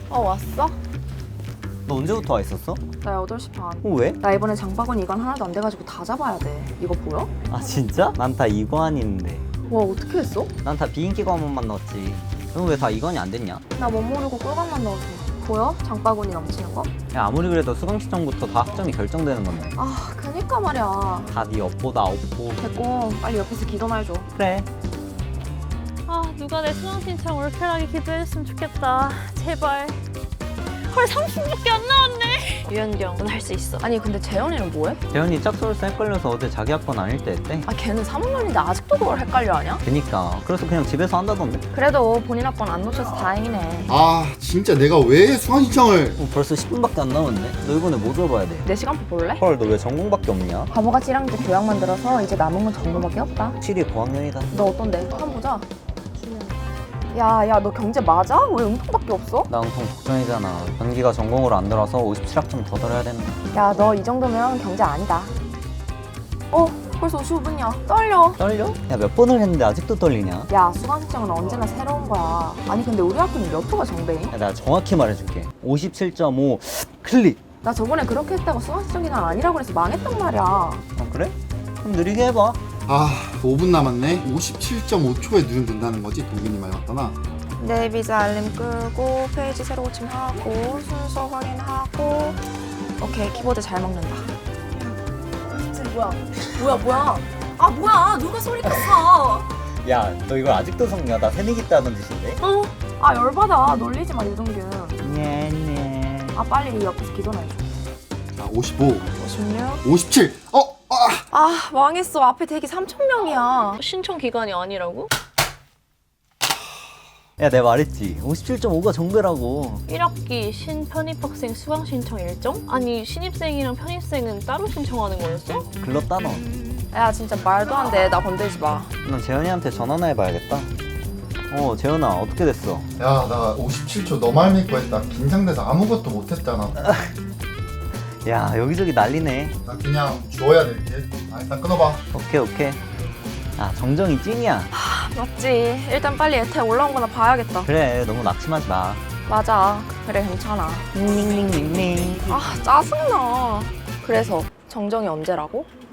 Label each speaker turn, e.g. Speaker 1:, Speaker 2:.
Speaker 1: 왔어?
Speaker 2: 너 언제부터 와 있었어?
Speaker 1: 나 8시 반.
Speaker 2: 왜?
Speaker 1: 나 이번에 장바구니 이관 하나도 안 돼가지고 다 잡아야 돼. 이거 보여?
Speaker 2: 아 진짜? 난 다 이관인데.
Speaker 1: 와, 어떻게 했어?
Speaker 2: 난 다 비인기관만 넣었지. 넌 왜 다 이관이 안 됐냐?
Speaker 1: 나 못 모르고 꿀감만 넣어서. 보여? 장바구니 넘치는 거?
Speaker 2: 야 아무리 그래도 수강 시점부터 다 학점이 결정되는 건데.
Speaker 1: 아, 그니까 말이야.
Speaker 2: 다 네 업보다 업보.
Speaker 1: 됐고, 빨리 옆에서 기도나 해줘.
Speaker 2: 그래.
Speaker 3: 아, 누가 내 수강 신청 올킬하게 기도해줬으면 좋겠다. 제발. 헐, 30분밖에 안 나왔네. 유연경, 넌 할 수 있어.
Speaker 1: 아니, 근데 재현이는 뭐해?
Speaker 2: 재현이 짝소울스 헷갈려서 어제 자기 학번 아닐 때 했대.
Speaker 1: 아, 걔는 3학년인데 아직도 그걸 헷갈려 하냐?
Speaker 2: 그니까 그래서 그냥 집에서 한다던데.
Speaker 1: 그래도 본인 학번 안 놓쳐서 다행이네.
Speaker 4: 아 진짜 내가 왜 수강 신청을
Speaker 2: 벌써 10분밖에 안 남았네. 너 이번에 뭐 들어봐야 돼?
Speaker 1: 내 시간표 볼래?
Speaker 2: 헐 너 왜 전공밖에 없냐?
Speaker 1: 바보같이 1학년 때 교양만 들어서 이제 남은 건 전공밖에 없다.
Speaker 2: 확실히 고학년이다.
Speaker 1: 너 어떤데? 한번 보자. 야, 너 경제 맞아? 왜 음통밖에 없어?
Speaker 2: 나 응통 독전이잖아. 변기가 전공으로 안 들어서 57학점 더 들어야 되는.
Speaker 1: 야, 너 이 정도면 경제 아니다. 벌써 55분이야. 떨려.
Speaker 2: 떨려? 야 몇 번을 했는데 아직도 떨리냐?
Speaker 1: 야, 수강 신청은 언제나 새로운 거야. 아니, 근데 우리 학교는 몇 호가 정배임?
Speaker 2: 야, 내가 정확히 말해줄게. 57.5 클릭.
Speaker 1: 나 저번에 그렇게 했다고 수강 신청 기간 아니라고 해서 망했단 말이야.
Speaker 2: 어 그래? 그럼 느리게 해봐.
Speaker 4: 아 5분 남았네. 57.5초에 누르면 된다는 거지. 동균이 말 맞다나.
Speaker 1: 내 비자 알림 끄고 페이지 새로 고침하고 순서 확인하고. 오케이, 키보드 잘 먹는다. 뭐야? 아, 뭐야? 누가 소리 켰어?
Speaker 2: 야 너 이걸 아직도 속냐? 나 새내기 때 하던 짓인데?
Speaker 1: 아, 열받아. 놀리지 마, 유동균.
Speaker 2: 네네.
Speaker 1: 아, 빨리 옆에서 기도나 해줘.
Speaker 4: 자 55,
Speaker 1: 56.
Speaker 4: 57.
Speaker 1: 아, 망했어. 앞에 대기 3,000명이야.
Speaker 3: 신청 기간이 아니라고?
Speaker 2: 야 내가 말했지 57.5가 정배라고.
Speaker 3: 1학기 신편입학생 수강 신청 일정? 아니, 신입생이랑 편입생은 따로 신청하는 거였어?
Speaker 2: 글렀다 너.
Speaker 1: 야, 진짜 말도 안 돼. 나 건들지 마.
Speaker 2: 난 재현이한테 전화나 해봐야겠다. 재현아 어떻게 됐어?
Speaker 4: 야 나 57초 너 말 믿고 했다. 긴장돼서 아무것도 못했잖아.
Speaker 2: 야 여기저기 난리네.
Speaker 4: 나 그냥 줘야 될 듯. 아 일단 끊어봐.
Speaker 2: 오케이. 아 정정이 찐이야.
Speaker 1: 맞지. 일단 빨리 에테 올라온 거나 봐야겠다.
Speaker 2: 그래 너무 낙심하지 마.
Speaker 1: 맞아. 그래, 괜찮아.
Speaker 2: 닝닝닝닝닝.
Speaker 1: 아, 짜증나. 그래서 정정이 언제라고?